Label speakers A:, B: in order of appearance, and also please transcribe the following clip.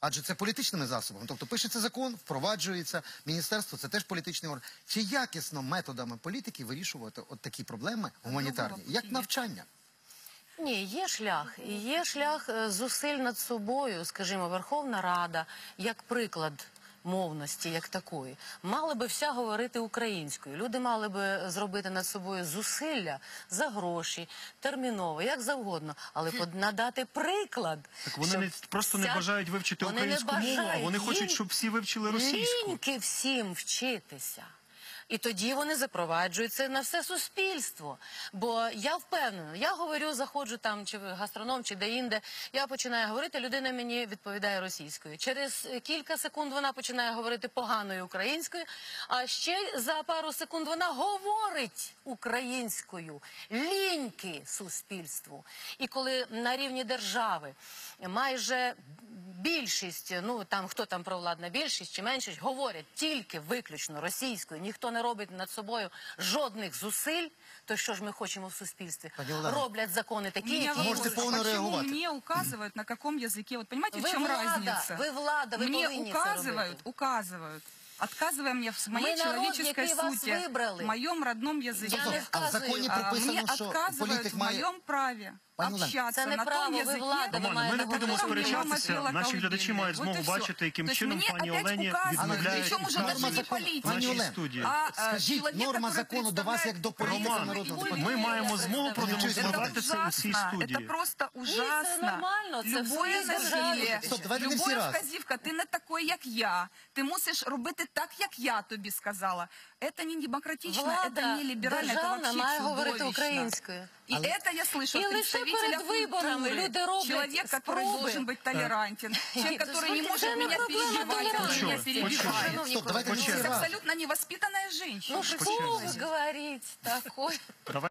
A: Адже це політичними засобами. Тобто пишеться закон, впроваджується, міністерство – це теж політичний орган. Чи якісно методами політики вирішувати от такі проблеми гуманітарні, як навчання?
B: Ні, є шлях. І є шлях зусиль над собою, скажімо, Верховна Рада, як приклад мовності, як такої, мали би вся говорити українською. Люди мали би зробити над собою зусилля за гроші, терміново, як завгодно, але надати приклад.
C: Так вони просто не бажають вивчити українську мову, а вони хочуть, щоб всі вивчили російську.
B: Ліньки всім вчитися. І тоді вони запроваджують це на все суспільство. Бо я впевнена, я говорю, заходжу там, чи гастроном, чи де-інде, я починаю говорити, людина мені відповідає російською. Через кілька секунд вона починає говорити поганою українською, а ще за пару секунд вона говорить українською. Ліньки суспільству. І коли на рівні держави майже більшість, ну там хто там провладна більшість чи меншість, говорять тільки виключно російською, ніхто не робить над собою жодних зусиль, то що ж ми хочемо в суспільстві? Роблять закони такі, які...
A: Можете повно реагувати.
D: Мне указывают, на каком языке. Вот понимаете, в чем разница?
B: Ви влада, ви повинні це робити.
D: Указывают. Отказывая мне в моей человеческой сути, в моем родном языке.
A: А в законі прописано, що політик
D: в
A: має...
D: моем праве общаться на том языке.
C: Романе, ми не будемо сперечатися, наші глядачі мають змогу бачити, яким чином пані Олені відмовляють в нашій студії.
A: Скажіть, норма закону до вас як до політика народного депутата.
C: Ми маємо змогу продемонструвати це у цій студії.
D: Это просто ужасно. Любое насилие, любая вказівка, ти не такий, як я. Ти мусиш робити так, як я тобі сказала. Это не демократично, это не либерально, это вообще чудовищно. И это я слышу от представителя культуры. Человек, который должен быть толерантен. Человек, который не может меня перебивать, который меня перебивает. Это абсолютно невоспитанная женщина.
B: Ну что вы говорите такое?